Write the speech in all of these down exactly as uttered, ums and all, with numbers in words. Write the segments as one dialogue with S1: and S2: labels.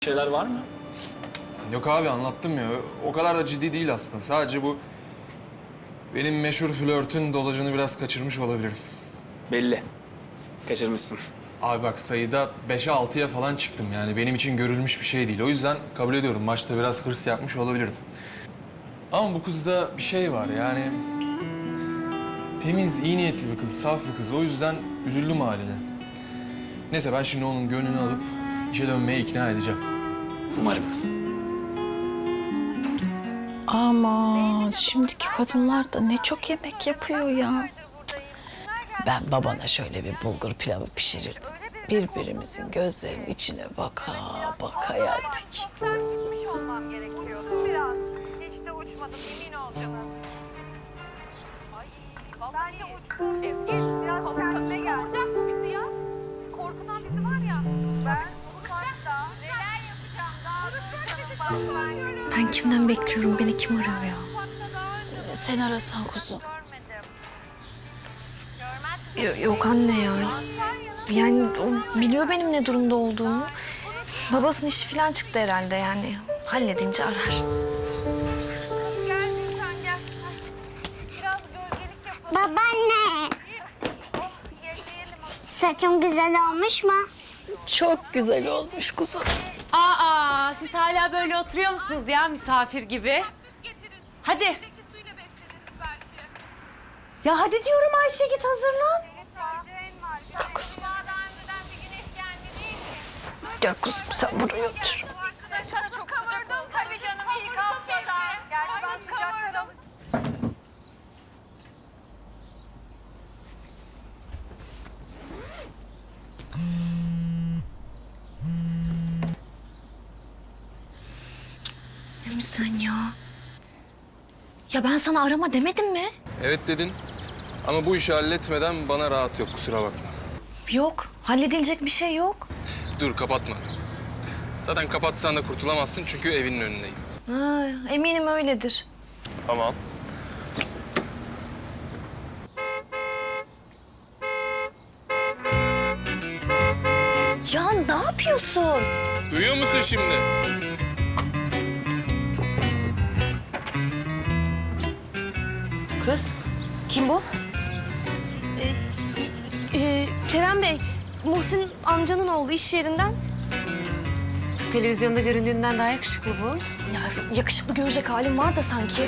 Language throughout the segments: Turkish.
S1: şeyler var mı?
S2: Yok abi anlattım ya. O kadar da ciddi değil aslında. Sadece bu benim meşhur flörtün dozajını biraz kaçırmış olabilirim.
S1: Belli. Kaçırmışsın.
S2: Abi bak sayıda beşe altıya falan çıktım yani. Benim için görülmüş bir şey değil. O yüzden kabul ediyorum. Maçta biraz hırs yapmış olabilirim. Ama bu kızda bir şey var yani. Temiz, iyi niyetli bir kız, saf bir kız. O yüzden üzüldüm haline. Neyse ben şimdi onun gönlünü alıp işe dönmeye ikna edeceğim.
S1: Umarım.
S3: Ama şimdiki kadınlar da ne çok yemek yapıyor ya. Ben babana şöyle bir bulgur pilavı pişirirdim. Birbirimizin gözlerinin içine baka baka yerdik.
S4: Uçmuş olmam gerekiyordu biraz. Hiç de uçmadım, emin ol canım. Ay, vallahi bence uçtum. Ezgi, biraz kendine gel. Korkacak bu bizi ya. Korkudan bizi var ya. Ben bu parkta neler yapacağım daha doğrusu canım.
S3: Ben kimden bekliyorum? Beni kim arıyor ya?
S4: Görmedim.
S3: Sen arasan kuzum.
S4: Görmez
S3: Yo- yok anne ya. Yani o biliyor benim ne durumda olduğumu. Babasının işi falan çıktı herhalde yani. Halledince arar.
S4: Gel lütfen gel. Biraz gölgelik yapalım.
S5: Babaanne,
S4: Oh, gelelim.
S5: saçım güzel olmuş mu?
S3: Çok güzel olmuş kuzum.
S6: Aa, siz hala böyle oturuyor musunuz ya misafir gibi? Hadi. Ya hadi diyorum Ayşe git hazırlan.
S3: Kuzum. Gel kuzum sen buraya otur.
S4: Arkadaşlar çok sıcak oldu. Tabii canım iyi kalkmadan. Gerçi ben sıcaktan alıştım.
S3: Ne mi sen ya? Ya ben sana arama demedim mi?
S2: Evet dedin. Ama bu işi halletmeden bana rahat yok, kusura bakma.
S3: Yok. Halledilecek bir şey yok.
S2: Dur kapatma. Zaten kapatsan da kurtulamazsın çünkü evinin önündeyim.
S3: Ha, eminim öyledir.
S2: Tamam.
S3: Ya ne yapıyorsun?
S2: Duyuyor musun şimdi?
S6: Kız kim bu?
S3: Ee, Kerem Bey, Muhsin amcanın oğlu iş yerinden.
S6: Kız televizyonda göründüğünden daha yakışıklı bu.
S3: Ya yakışıklı görecek halim var da sanki.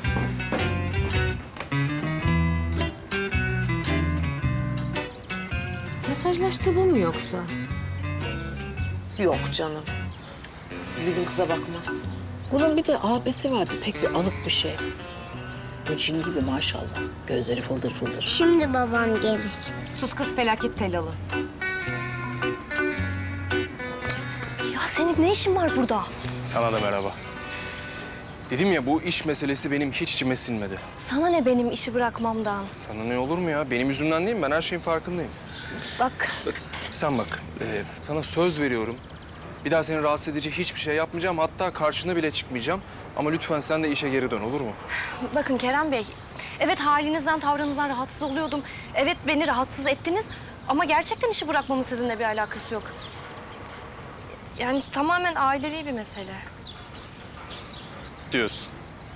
S6: Mesajlaştığı bu mu yoksa? Yok canım. Bizim kıza bakmaz.
S7: Bunun bir de abisi vardı, pek bir alık bir şey. Bu cin gibi maşallah. Gözleri fıldır fıldır.
S5: Şimdi babam gelir.
S6: Sus kız felaket telalı.
S3: Ya senin ne işin var burada?
S2: Sana da merhaba. Dedim ya bu iş meselesi benim hiç içime sinmedi.
S3: Sana ne benim işi bırakmamdan?
S2: Sana ne olur mu ya? Benim yüzümden değil mi? Ben her şeyin farkındayım.
S3: Bak,
S2: Sen bak, e, sana söz veriyorum. Bir daha seni rahatsız edici hiçbir şey yapmayacağım. Hatta karşına bile çıkmayacağım. Ama lütfen sen de işe geri dön, olur mu?
S3: bakın Kerem Bey. Evet halinizden, tavrınızdan rahatsız oluyordum. Evet beni rahatsız ettiniz. Ama gerçekten işi bırakmamın sizinle bir alakası yok. Yani tamamen ailevi bir mesele.
S2: Diyorsun.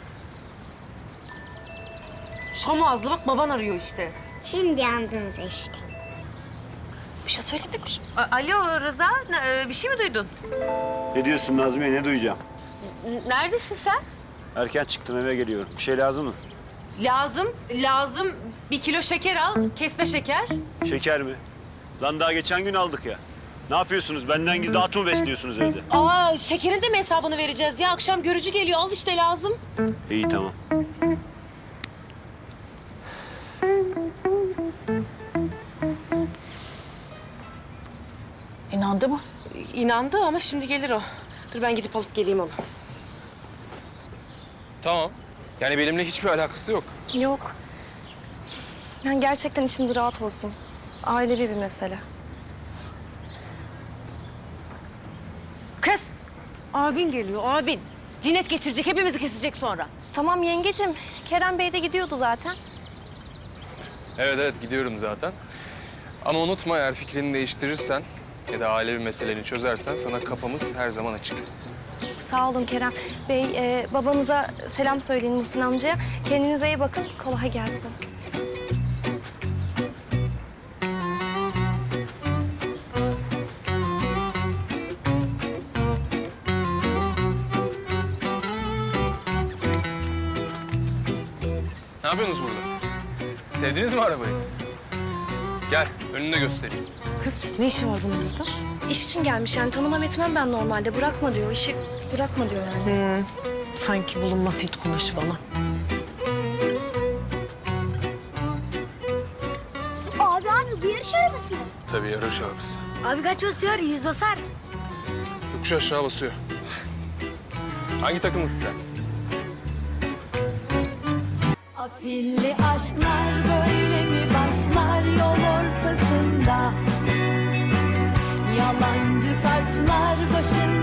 S6: Şam ağızlı bak baban arıyor işte.
S5: Şimdi yandınız işte.
S3: Bir şey söylemek mi?
S6: A- Alo Rıza ne- e, bir şey mi duydun?
S8: Ne diyorsun Nazmiye, ne duyacağım?
S6: N- Neredesin sen?
S8: Erken çıktım, eve geliyorum. Bir şey lazım mı?
S6: Lazım, lazım. Bir kilo şeker al, kesme şeker.
S8: Şeker mi? Lan daha geçen gün aldık ya. Ne yapıyorsunuz? Benden gizli at mı besliyorsunuz evde?
S6: Aa, şekerin de mi hesabını vereceğiz ya? Akşam görücü geliyor, al işte lazım.
S8: İyi, tamam.
S7: İnandı mı?
S6: İnandı ama şimdi gelir o. Dur ben gidip alıp geleyim onu.
S2: Tamam. Yani benimle hiçbir alakası yok.
S3: Yok. Yani gerçekten içiniz rahat olsun. Ailevi bir mesele.
S6: Kız! Abin geliyor, abin. Cinnet geçirecek, hepimizi kesecek sonra.
S3: Tamam yengecim. Kerem Bey de gidiyordu zaten.
S2: Evet evet gidiyorum zaten. Ama unutma eğer fikrini değiştirirsen ya da ailevi meseleni çözersen sana kapımız her zaman açık.
S9: Sağ olun Kerem Bey. E, babanıza selam söyleyin Muhsin amcaya. Kendinize iyi bakın. Kolay gelsin.
S2: Ne yapıyorsunuz burada? Sevdiniz mi arabayı? Gel, önünde göstereyim.
S6: Kız ne işi var bunun burada?
S9: İş için gelmiş yani tanımam etmem ben normalde. Bırakma diyor. İşi bırakma diyor yani.
S6: Sanki bulunmaz it kumaşı bana.
S5: Abi abi bu yarış arabası mı?
S2: Tabii yarış arabası.
S5: Abi kaç basıyor? Yüz basar.
S2: Yokuş aşağı basıyor. Hangi takımlısın sen?
S10: Afilli aşklar böyle mi başlar yol ortasında? Yalancı taçlar başında.